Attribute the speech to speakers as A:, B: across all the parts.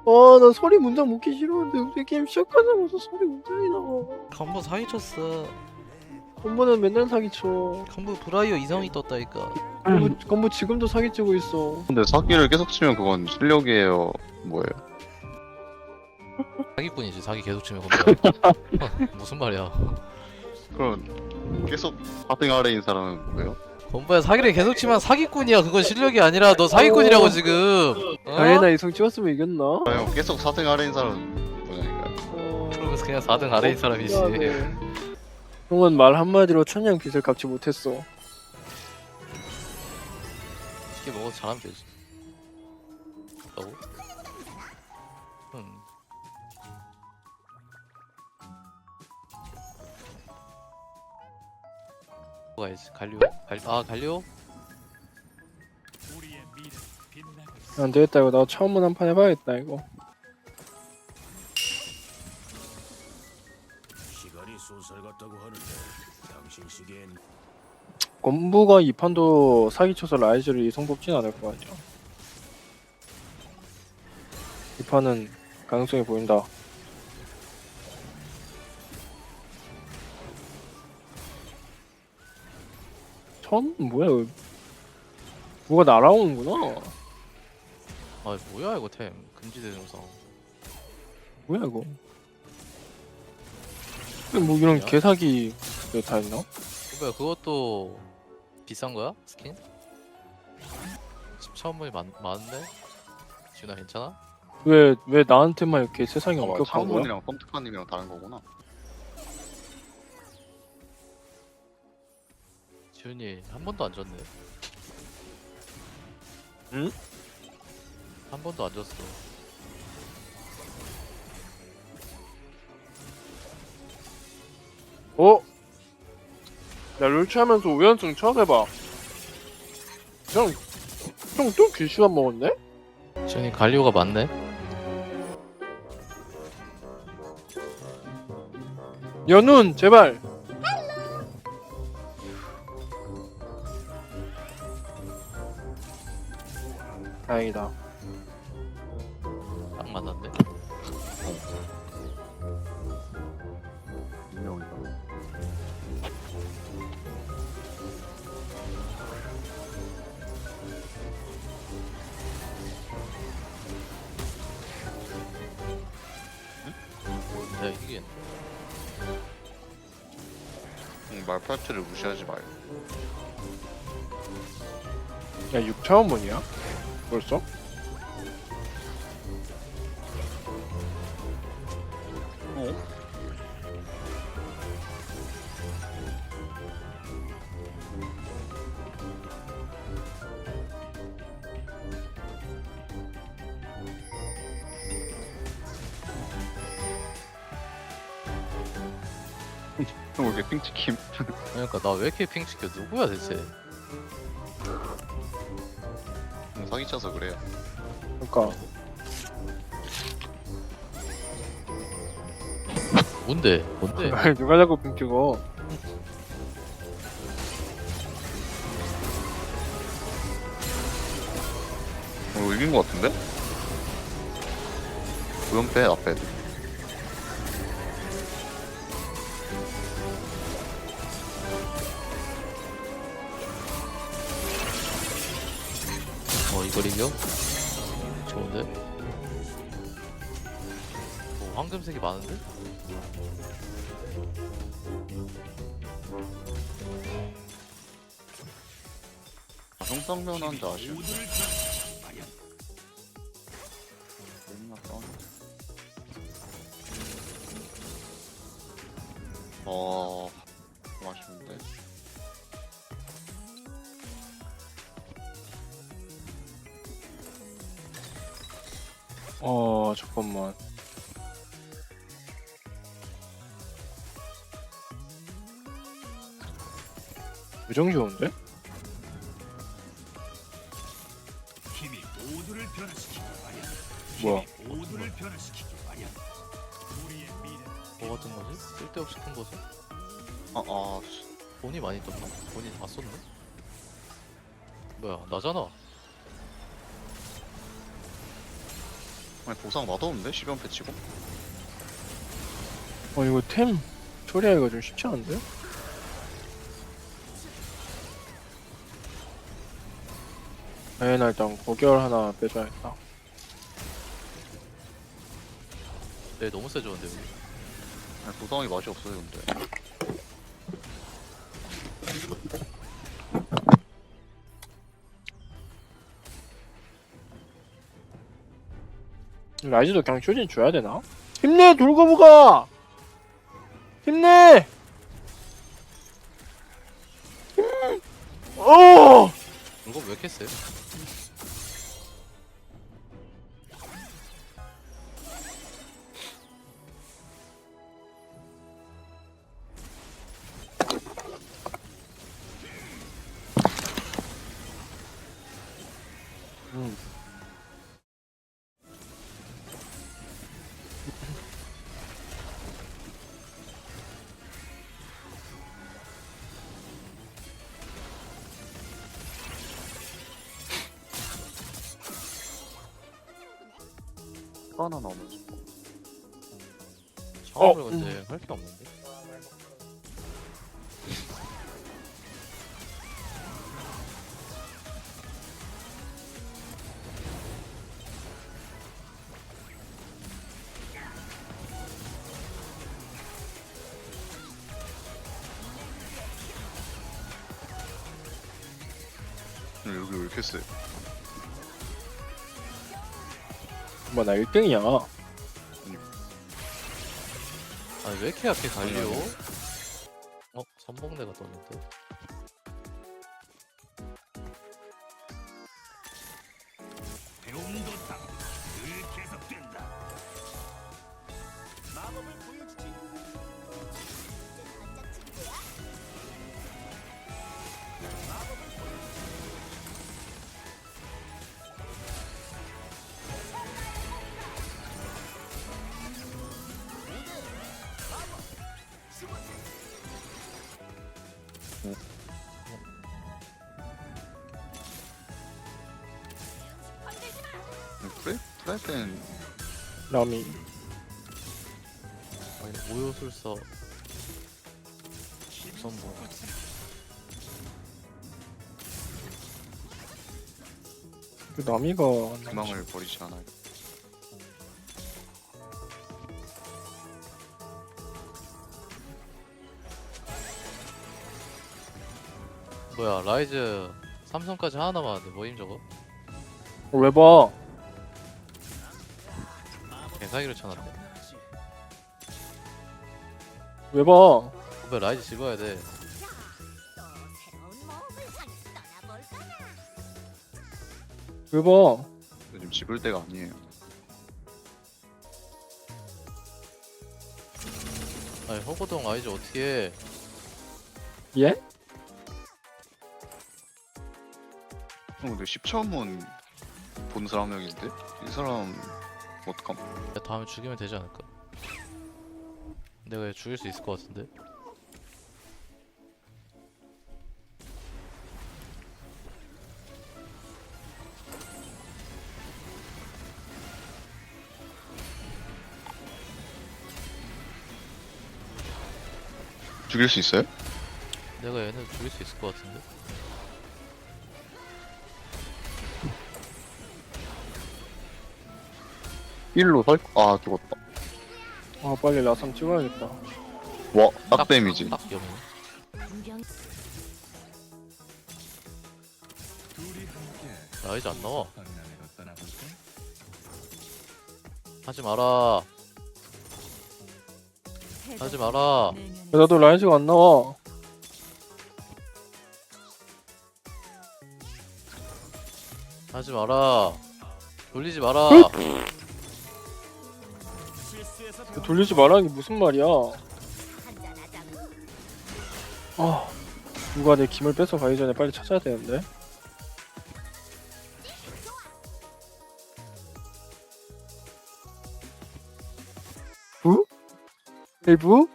A: 나 소리 문장 묻기 싫었는데 왜 게임 시작하자마자 소리 문장이 나와.
B: 컴보 사기쳤어.
A: 건부는 맨날 사기쳐.
B: 컴보 브라이어 이성이 떴다니까.
A: 건부 지금도 사기치고 있어.
C: 근데 사기를 계속 치면 그건 실력이에요. 뭐예요?
B: 사기꾼이지. 사기 계속 치면 컴보야. 무슨 말이야.
C: 그럼 계속 4등 아래인 사람은 뭐예요?
B: 컴보야 사기를 계속 치면 사기꾼이야. 그건 실력이 아니라 너 사기꾼이라고 지금. 어?
A: 다이애나 이성 찍었으면 이겼나?
C: 아니요, 계속 4등 아래인 사람은 뭐냐니까요.
B: 그러면서 그냥 4등 아래인 사람이지.
A: 형은 말 한마디로 천냥 빚을 갚지 못했어.
B: 쉽게 먹어서 잘하면 되지. 라고? 가야지. 갈리오? 갈리오?
A: 안 되겠다 이거 나 처음 한 판 해봐야겠다 이거.
D: 시간이 쏜살 같다고 하는데 당신 시기엔
A: 건부가 이 판도 사기쳐서 라이즈를 이성 뽑진 않을 거 같죠. 이 판은 가능성이 보인다. 천? 뭐야 이거. 뭐가 날아오는구나.
B: 아 뭐야 이거 템. 금지된 영상.
A: 뭐야 이거. 뭐 이런
B: 뭐야?
A: 개사기 다 있나?
B: 컴보야 그것도 비싼 거야? 스킨? 10,000원이 많은데? 지훈아 괜찮아?
A: 왜 나한테만 이렇게 세상이 엄격한 거야?
C: 창문이랑 펌트카님이랑 다른 거구나.
B: 지훈이 한 번도 안 졌네.
A: 응?
B: 한 번도 안 졌어.
A: 어? 야 롤치하면서 5연승 처음 해봐. 형또 귀슈한 먹었네?
B: 지훈이 갈리오가 많네?
A: 연운 제발. 다행이다.
B: 딱 만났네.
C: 분명이다.
B: 내가 이기겠네.
C: 말파트를 무시하지 마요.
A: 야 6차원 문이야? 벌써?
C: 형, 왜 이렇게 핑치킴?
B: 그러니까 나 왜 이렇게 핑 찍혀? 누구야 대체?
C: 사기쳐서 그래요.
A: 그니까
B: 뭔데? 뭔데?
A: 누가 자꾸 빙 찍어.
C: 이긴 거 같은데? 우연 빼, 나 빼.
B: 이걸 이겨? 좋은데? 황금색이 많은데?
C: 형상면 한자 아쉬운데. 맨날 싸우네. 좀 아쉬운데.
A: 잠깐만. 무정 좋은데?
D: 힘이 모두를 변화시키기 마련.
A: 뭐야?
D: 모두를 변화시키기 마련. 우리의 미래.
B: 뭐 같은 거지? 쓸데없이 큰 거지?
C: 씨.
B: 돈이 많이 떴나? 돈이 다 썼네? 뭐야 나잖아.
C: 아니 보상 맛없는데? 10연 패치고?
A: 이거 템 처리하기가 좀 쉽지 않은데? 나 일단 고결 하나 빼줘야겠다.
B: 네 너무 세졌는데 여기.
C: 아니 보상이 맛이 없어요 근데.
A: 라이즈도 그냥 쇼진 줘야 되나? 힘내 돌고부가! 힘내! 어!
B: 이거 왜 이렇게 세?
A: 음.
C: 하나 나오면서.
B: 상황을 근데 할 게 없는데.
C: 여기 왜 이렇게 세?
A: 나 1등이야.
B: 아니 왜 이렇게 약해 갈리오? 선봉대가 떴는데.
D: 배움도 늘 계속된다. 마법을 보여주지.
C: 프라이팬
A: 라미.
B: 아니 오요술사 선봉.
A: 그 나미가
C: 희망을 버리지 않아요.
B: 뭐야 라이즈 삼성까지 하나 남았는데 뭐임 저거?
A: 왜 봐?
B: 개사기로 쳐놨네.
A: 왜 봐?
B: 왜 라이즈 집어야 돼?
A: 왜 봐?
C: 지금 집을 때가 아니에요.
B: 아니 허거동 라이즈 어떻게 해?
A: 예?
C: 근데 10차원 본 사람 한 명인데? 이 사람 어떡함?
B: 야, 다음에 죽이면 되지 않을까? 내가 얘 죽일 수 있을 것 같은데?
C: 죽일 수 있어요?
B: 내가 얘는 죽일 수 있을 것 같은데?
C: 일로 살? 아 죽었다.
A: 아 빨리 라삼 찍어야겠다.
C: 와, 딱 데미지.
B: 딱 염이. 라이즈 안 나와. 하지 마라. 하지 마라.
A: 야, 나도 라이즈가 안 나와.
B: 하지 마라. 돌리지 마라.
A: 돌리지 말라는 게 무슨 말이야? 아, 누가 내 김을 뺏어 가기 전에 빨리 찾아야 되는데. 부? 일부?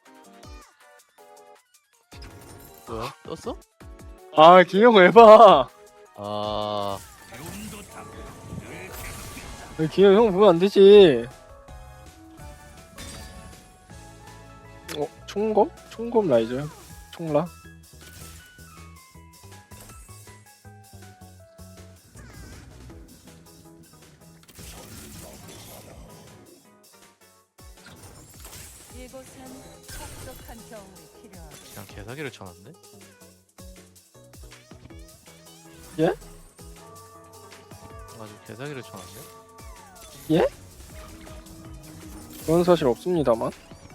B: 뭐야? 떴어?
A: 아, 김영 왜 봐?
B: 아,
A: 기현 형 보면 안 되지. 총검? 총검 라이저요? 총라?
E: 이곳은 혹독한 겨울이 필요하고
B: 그냥 개사기를 쳐놨네?
A: 예?
B: 아주 개사기를 쳐놨네?
A: 그런 사실 없습니다만.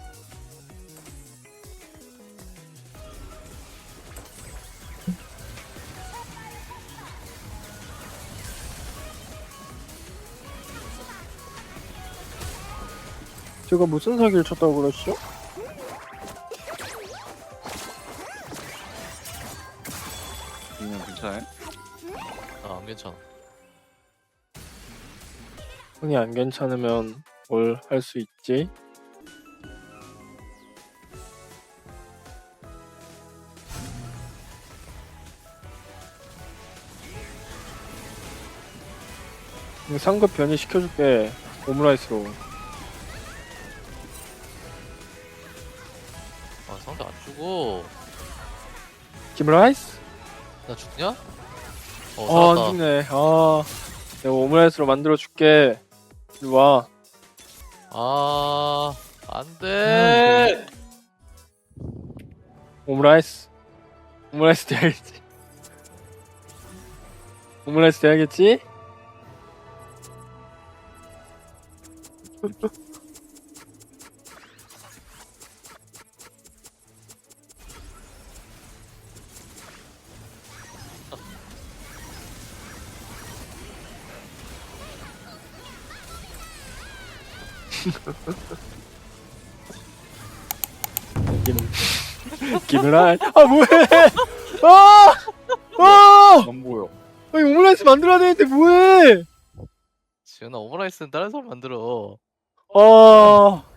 A: 제가 무슨 사기를 쳤다고 그러시죠?
C: 그냥 괜찮아요?
B: 아, 안 괜찮아.
A: 형이 안 괜찮으면 뭘 할 수 있지? 상급 변이 시켜줄게. 오므라이스로.
B: 아, 상대 안 죽어.
A: 김라이스?
B: 나 죽냐?
A: 아,
B: 어,
A: 안
B: 살았다.
A: 죽네. 아, 내가 오므라이스로 만들어줄게. 이리 와.
B: 아, 안 돼!
A: 오므라이스. 오므라이스 돼야겠지. 오므라이스 돼야겠지? 김라이스. 아, 뭐해! 아! 아!
C: 안 보여.
A: 아니, 오므라이스 만들어야 되는데 뭐해!
B: 지은아, 오므라이스는 다른 사람 만들어.
A: 아,